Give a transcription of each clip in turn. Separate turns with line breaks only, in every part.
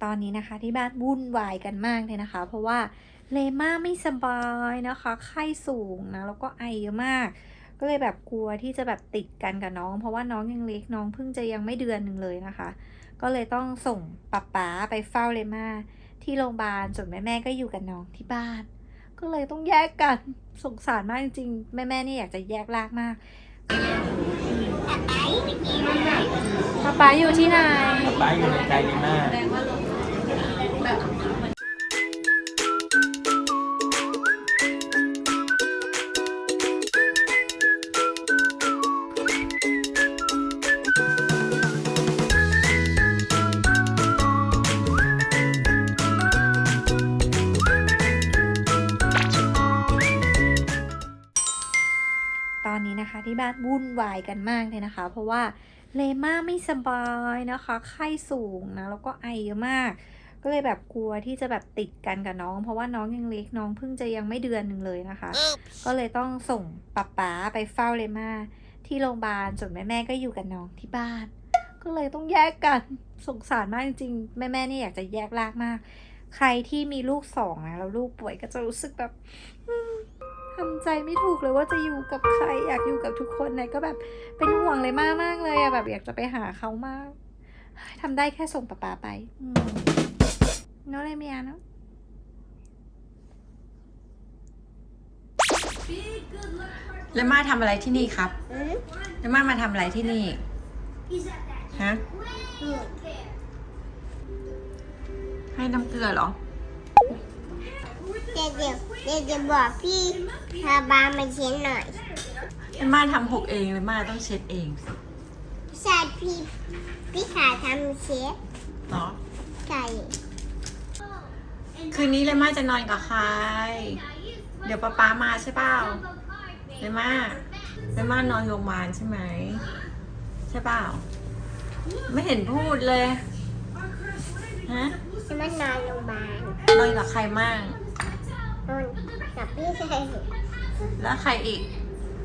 ตอนนี้นะคะที่บ้านวุ่นวายกันมากเลยนะคะเพราะว่าเลม่าไม่สบายนะคะไข้สูงนะแล้วก็ไอเยอะมากก็เลยแบบกลัวที่จะแบบติดกันกับน้องเพราะว่าน้องยังเล็กน้องเพิ่งจะยังไม่เดือนหนึ่งเลยนะคะก็เลยต้องส่งป๊าไปเฝ้าเลม่าที่โรงพยาบาลส่วนแม่ก็อยู่กับน้องที่บ้านก็เลยต้องแยกกันสงสารมากจริงๆแม่นี่อยากจะแยกลากมากป๊าอยู่ที่ไหน
ป๊าอยู่ในใจดีมาก
ตอนนี้นะคะที่บ้านวุ่นวายกันมากเลยนะคะเพราะว่าเลม่าไม่สบายนะคะไข้สูงนะแล้วก็ไอเยอะมากก็เลยแบบกลัวที่จะแบบติดกันกับน้องเพราะว่าน้องยังเล็กน้องเพิ่งจะยังไม่เดือนหนึ่งเลยนะคะก็เลยต้องส่งป๊าไปเฝ้าเลม่าที่โรงพยาบาลส่วนแม่ก็อยู่กับน้องที่บ้านก็เลยต้องแยกกันสงสารมากจริงๆแม่นี่อยากจะแยกลากมากใครที่มีลูกสองนะแล้วลูกป่วยก็จะรู้สึกแบบทำใจไม่ถูกเลยว่าจะอยู่กับใครอยากอยู่กับทุกคนนะก็แบบเป็นห่วงเลยมากเลยอะแบบอยากจะไปหาเขามากทำได้แค่ส่งป๊าไปน้องเลยเมียเนาะ
แล้วมาทำอะไรที่นี่ครับแล้วมาทำอะไรที่นี่ฮะให้น้ำเกลือเหรอ
เดี๋ยวบอกพี่พาบามาเช็ดหน่อย
แล้วมาทำหกเองเลยมาต้องเช็ดเอง
ใช่พี่ขาทำเช็ด
เนาะ
ใช่
คืนนี้เลยมาจะนอนกับใครเดี๋ยวป๊ามาใช่เปล่าเลยมานอนโรงพยาบาลใช่ไหมใช่เปล่าไม่เห็นพูดเลยฮะ
จะมานอนโรงพยาบาล
นอนกับใครมั่ง
นอนกับพี่ชาย
แล้วใครอีก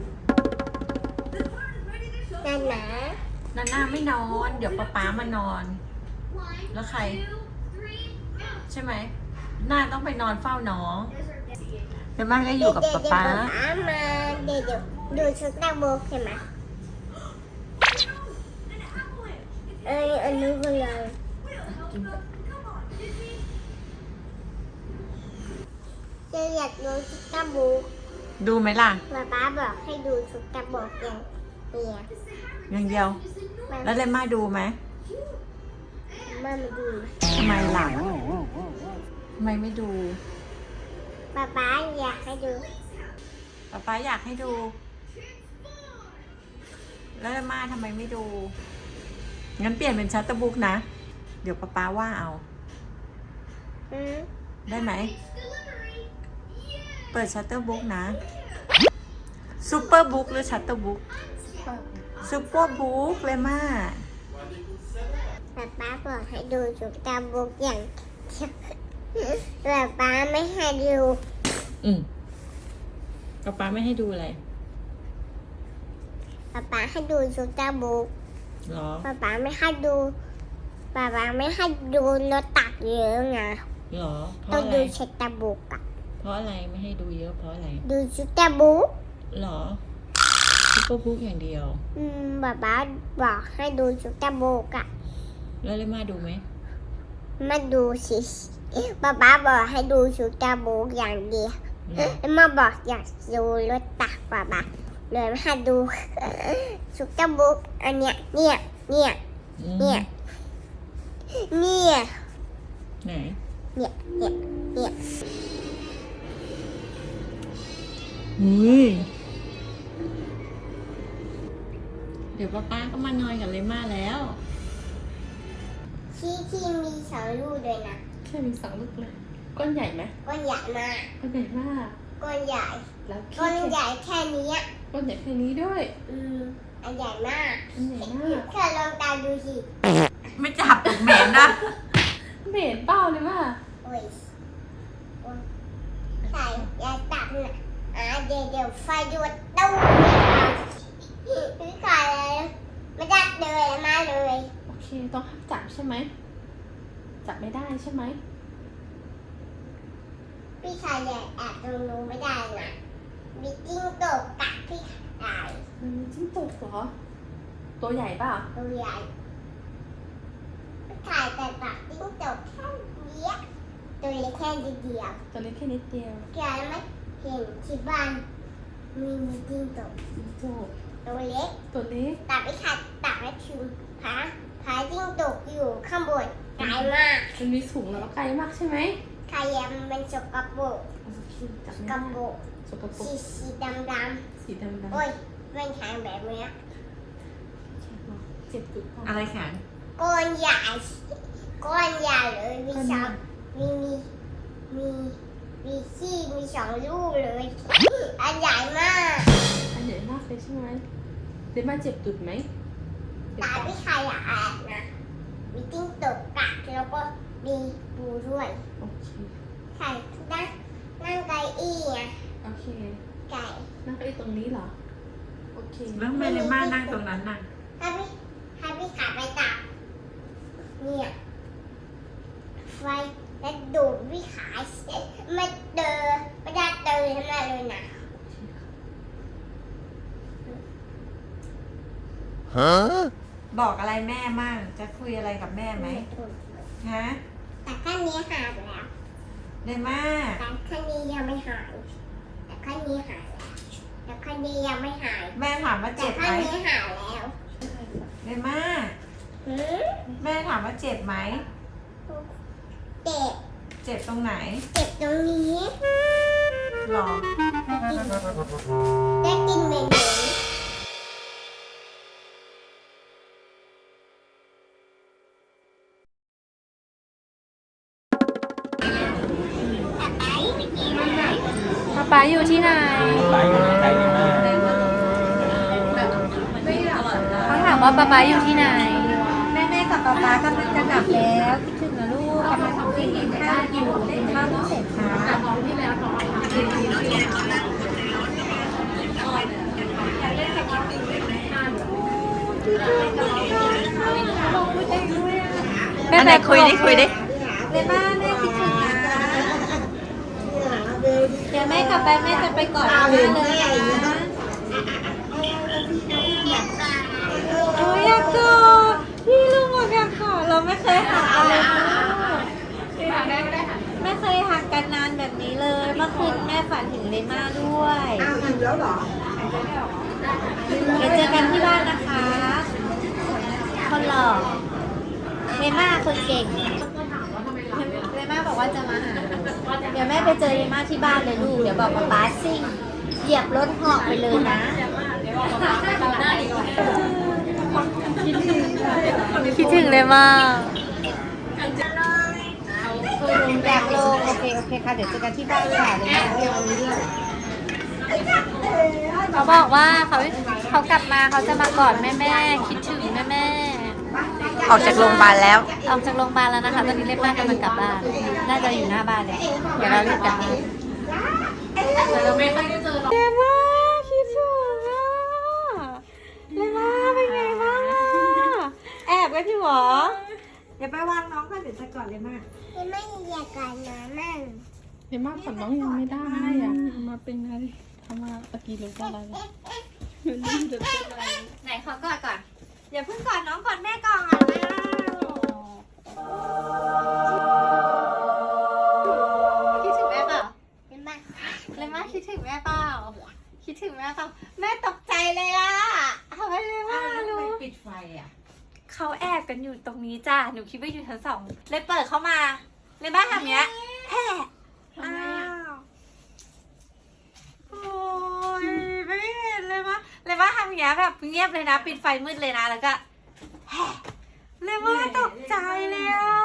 นา
นาไม่นอนเดี๋ยวป๊ามานอนแล้วใครใช่ไหมนาต้องไปนอนเฝ้าน้องเดี๋ยวมันก็อยู่กับป๊า
มาเดี๋ยวดูชุดตาโบกใช่ไหมอันนี้ก็เลยจะอยากดูชุดตาโบก
ดูไหมล่ะ
ป๊าบอกให้ดูชุดตาโบก
อย่างเดียวแล้วเลม่าดูไหม
ไม่ดู
ทำไมหลังทำไมไม่ดู
ป๊าอยากให้ดู
ป๊าอยากให้ดูแล้วเลม่าทำไมไม่ดูงั้นเปลี่ยนเป็นชัตเตอร์บุ๊กนะเดี๋ยวป๊าว่าเอาได้ไหมเปิดชัตเตอร์บุ๊กนะซูเปอร์บุ๊กหรือชัตเตอร์บุ๊กซูเปอร์บุ๊กเลยม่า
ป๊าบอกให้ดูชุดตาบุกอย่างแต่ป๊าไม่ให้ดู
ป๊าไม่ให้ดูอะไร
ป๊าให้ดูชุดตาบุก
หรอ
ป๊าไม่ให้ดูป๊าไม่ให้ดูรถตักเยอะไง
หรอ
ต้องดูชุดตาบุกอะ
เพราะอะไรไม่ให้ดูเยอะเพราะอะไร
ดูชุดตาบุก
หรอซุปเปอร์บุ๊กอย่างเดียว
ป๊าบอกให้ดูชุดตาบุกอะ
แล้วเลยมาดูไหม
มาดูสิป๊าบอกให้ดูชุดตาบุกอย่างเดียวแล้วมาบอกอยากดูรถตักป๊าเลยมาดูชุดตาบุกอันเนี้ยเนี่ย
ไหน
เนี่ย
เดี๋ยวป๊าก็มานอนกับเลม่าแล้ว
ที่มี2 ลูกด้วยนะ
แค่มี2 ลูกเลยก้อนใหญ่ไหม
ก้อนใหญ่มาก
ก้อนใหญ่มาก
ก้อนใหญ่แล้วก้อนใหญ่แค่นี้
ก้อนใหญ่แค่นี้ด้วย
อันใหญ่มากเธอลองตาดูสิ
ไม่จับเหม็นนะเหม็นเปล่าเลยว่า
โอ้ยใส่ยาตับนะเดี๋ยวไฟดูดตู้พี่ก่อนเลยไม่จับเลยมาเลย
โอเคต้องจับใช่ไหมจับไม่ได้ใช่ไหม
พี่ชายเนี่ยแอบตรงนู้นไม่ได้นะมีจิ้งจกกัดพี่ชาย
มันมีจิ้งจกเหรอ ตัวใหญ่เปล่า
ตัวใหญ่พี่ชายแต่ปากจิ้งจกแค่เนี้ยตัวเล็กแค่นิดเดียว
ตัวเล็กแค่นิดเดียว
แกไม่เห็นที่บ้านมีจิ้งจก
จิ้งจก
ตัวเล็ก
ตัวเล็ก
แต่พี่ชายตักไม่ถึงพาจิ้งจกอยู่ข้างบนไกลมาก
มันมีสูงแล้วก็ไกลมากใช่ไหม
ใครยังเป็นสกปรก
โอเคจับไม่
ก
ได้
ระปุก
สกปรก
สีดำ
สีดำ
ๆโอ้ยเป็นทางแบบเนี้ย
เจ็บจุดก่อน
อะไรแข็ง
ก้อนใหญ่ก้อนใหญ่เลยมีสองมีขี้มีสองลูกเลยอันใหญ่มาก
อันใหญ่มากเลยใช่ไหมเดม่าเจ็บจุดไหมเจ็บ
ตา
ปะ
พี่ชายอยากแอบนะมีจิ้งจกกัดแล้วก็มีปูด้วย
โอเค
ใส่นั่งไก่อี้ไง
โอเค
ไก่
นั่งเก้าอี้ตรงนี้เหรอ โอเค
แล้วทำไมเลม่านั่งตรงนั้นน่ะ
ให้พี่ขาไปตักเนี่ยไฟแล้วดูดพี่ขาไม่เดินไม่ได้เดินทั้งนั้นเลยนะ
บอกอะไรแม่มั่งจะคุยอะไรกับแม่ไหมฮะ
แต่ขั้นนี้หายไปแล้ว
เลม่า
แต่ขั้นนี้ยังไม่หายแต่ขั้นนี้หายแล้วแต่ขั้นนี้ยังไม่หาย
แม่ถามว่า
แต่
เจ็บไห
ขั้
ม
นนี้หายแล้ว
เลม่า
หืม
แม่ถามว่าเจ็บไหม
เจ็บ
เจ็บตรงไหน
เจ็บตรงนี้
หรอ
ได้กินเหม็น
ป๊าอยู่ที่ไหน
ไปอยู่ในใจเลม่า
เขาถามว่าป๊าอยู่ที่ไหน แม่กับป๊ากำลังจะกลับแล้วคิดถึงนะลูกกำลังกินข้าวอยู่เล่นข้าวเพิ่งเสร็จค่ะแม่
อันไหนคุยดิคุยดิ
แม่บ้านแม่คิดถึงนะเดี๋ยวแม่กลับไปแม่จะไปกอดแม่เลยนะโอ้ยอยากกอดพี่ลุงบอกอยากกอดเราไม่เคยหักกันเลยนะไม่เคยหักกันนานแบบนี้เลยเมื่อคืนแม่ฝันถึงเลม่าด้วยเดี๋ยวเจอกันที่บ้านนะคะ คนหล่อเลม่าคนเก่งเลม่าบอกว่าจะมาหาเดี๋ยวแม่ไปเจอเลม่าที่บ้านเลยลูกเดี๋ยวบอกป๊าซิ่งเหยียบรถเหาะไปเลยนะคิดถึงเลยมากอยากลงโอเคค่ะเดี๋ยวเจอกันที่บ้านค่ะเลยนะเขาบอกว่าเขากลับมาเขาจะมากอดแม่คิดถึงแม่
ออกจากโรงพยาบาลแล้ว
ออกจากโรงพยาบาลแล้วนะคะตอนนี้เล็บบ้านกำลังกลับบ้านน่าจะอยู่หน้าบ้านเลยเดี๋ยวเรารีบกลับบ้านแต่เราไม่ค่อยได้เจอหรอกเลม่าคิดถึงอ่ะเลม่าเป็นไงบ้างอ่ะแอบกันที่หรอเดี๋ยวไปวางน้องก่อนเดี๋ยวจะกอดเลม่า
ไม่อยากกันนะนั่ง
เดม่าผ่อนน้องยังไม่ได้อ่ะมาเป็นไงทำมาตะกี้เลยก็อะไรมันนี่จะเป็นอะไร
ไหนขอกอดก่อนอย่าเพิ่งกอดน้องกอดแม่ก่อนคิดถึงแม่เปล่า
เห็นไหม
เลม่าคิดถึงแม่เปล่าคิดถึงแม่เปล่าแม่ตกใจเลยอ่ะทำไมเลม่ารู้
ปิดไฟอ่ะ
เขาแอบกันอยู่ตรงนี้จ้าหนูคิดว่าอยู่ชั้น2เลยเปิดเข้ามาเลยบ้าทำเนี้ยแฮ่อ้าวโอ้ยไม่เห็นเลยว่าเลยว่าทำอย่างเงี้ยแบบเงียบเลยนะปิดไฟมืดเลยนะแล้วก็แฮ่เลยว่าตกใจเลยอ่ะ